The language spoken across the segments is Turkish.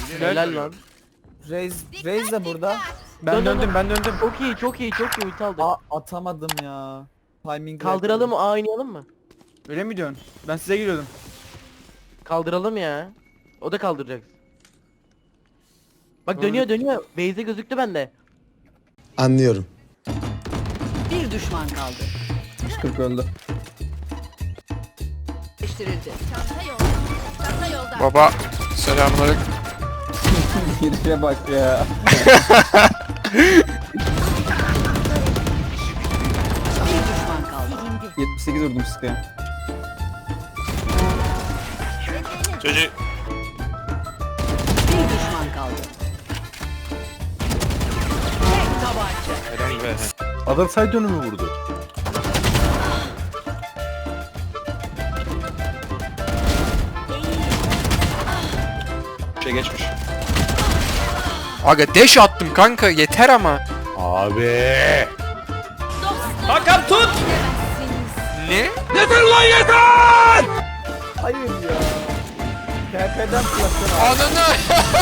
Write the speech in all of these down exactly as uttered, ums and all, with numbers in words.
Helal lan. Reis, Reis de burada. Ben Dön, dön, döndüm dön. ben döndüm. Çok iyi çok iyi çok iyi ulti aldık. Aa, atamadım ya. Timing Kaldıralım mı? A oynayalım mı? Öyle mi diyorsun? Ben size geliyordum. Kaldıralım ya. O da kaldıracak. Bak Doğru. dönüyor dönüyor. Beyze gözüktü bende. Anlıyorum. Bir düşman kaldı. yüz kırk öldü. Değiştirildi. Çanta yolda. Çanta yolda. Baba selamünaleyküm. Girişe bak ya. Bir düşman kaldı. yetmiş sekiz vurdum sıkıya. Çocuk. Bir düşman kaldı. Tek tabanca. Helal be. Adam side dönümü vurdu. Şey geçmiş. Aga deş attım kanka yeter ama. Abi. Hakan tut. Ne? Hayır ya. K P'den fırlattın abi. Ananı.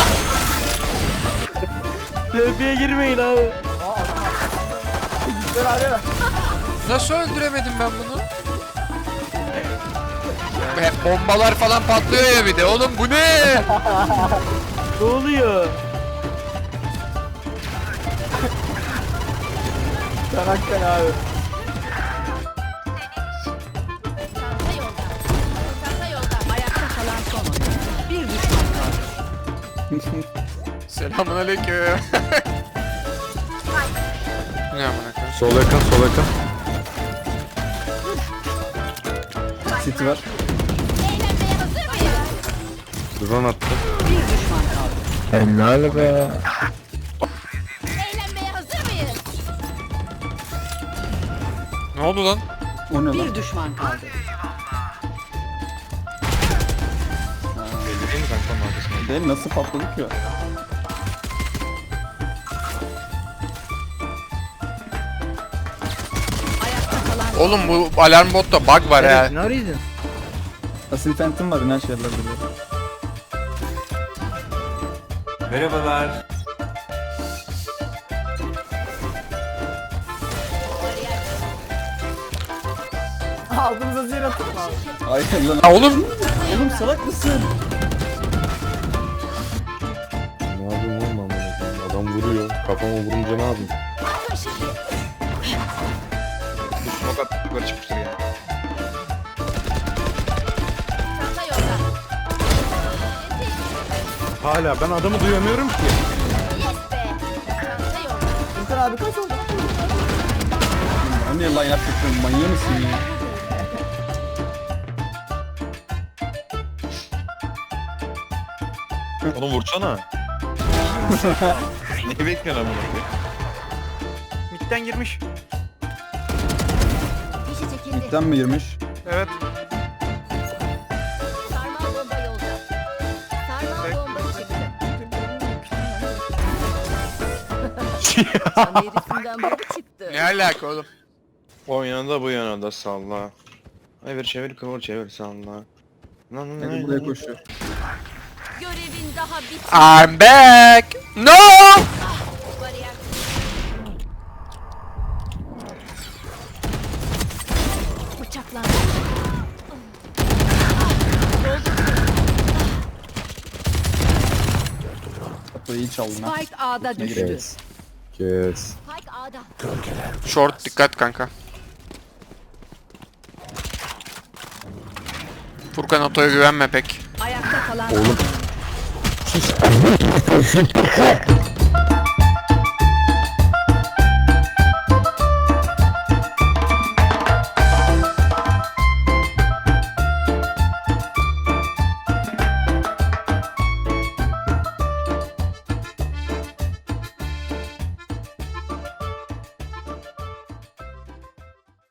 T P'ye girmeyin abi. Güzel abi. Nasıl öldüremedim ben bunu? Hep bombalar falan patlıyor ya bir de oğlum bu ne? Ne oluyor? Çanakkale abi. Çanta yolda. Çanta yolda. Ayakta kalan son oyuncu. Bir düşman kaldı. Selamünaleyküm. Ne amına koyayım? Sol yakın sol yakın. City var. Eğlenmeye hazır mıyız? Drone attı. Bir düşman kaldı. Eğlenmeye hazır mıyız? Ne oldu lan? O ne lan? Bir düşman kaldı. Belli değil mi kanka onun arkasında? Değil nasıl patladık ya? Ayakta kalan Oğlum bu alarm botta bug var ya. Ne arıyorsun? Asil Phantom var inanç yerler duruyor. Merhabalar. Ağzımıza zehir atın abi. Hayır lan. Ya oğlum Oğlum salak mısın? Ne yapayım oğlum amına koyayım? Adam vuruyor. Kafama vurunca ne yapayım? bu smoke at yukarı çıkmıştır ya. Çanta yolda. Hala ben adamı duyamıyorum ki. Yes be. Çanta yolda. Furkan abi kaç oldu? Ben niye line up yapıyorum manyak mısın ya? Onu vursana. Ne bekliyorsun amına koyayım? Mid'den girmiş. Fişi çekildi. Midden mi girmiş? Evet. Sarmal bomba yolda. Sarmal bomba çıktı. sana herisinden biri çıktı. Ne alaka oğlum? O yana da bu yana da salla. Ay bir çevir kıvır çevir salla. Lan lan Hadi lan. buraya koşuyor. Görevin daha bitmedi. I'm back. No! Bariyer. Bıçaklandı. Kapıyı iyi çaldın ha. Spike A'da Ne düştü. Kes. Kes. Spike A'da. Short dikkat kanka. Furkan Oto'ya güvenme pek. Ayakta kalan Oğlum. son oyuncu.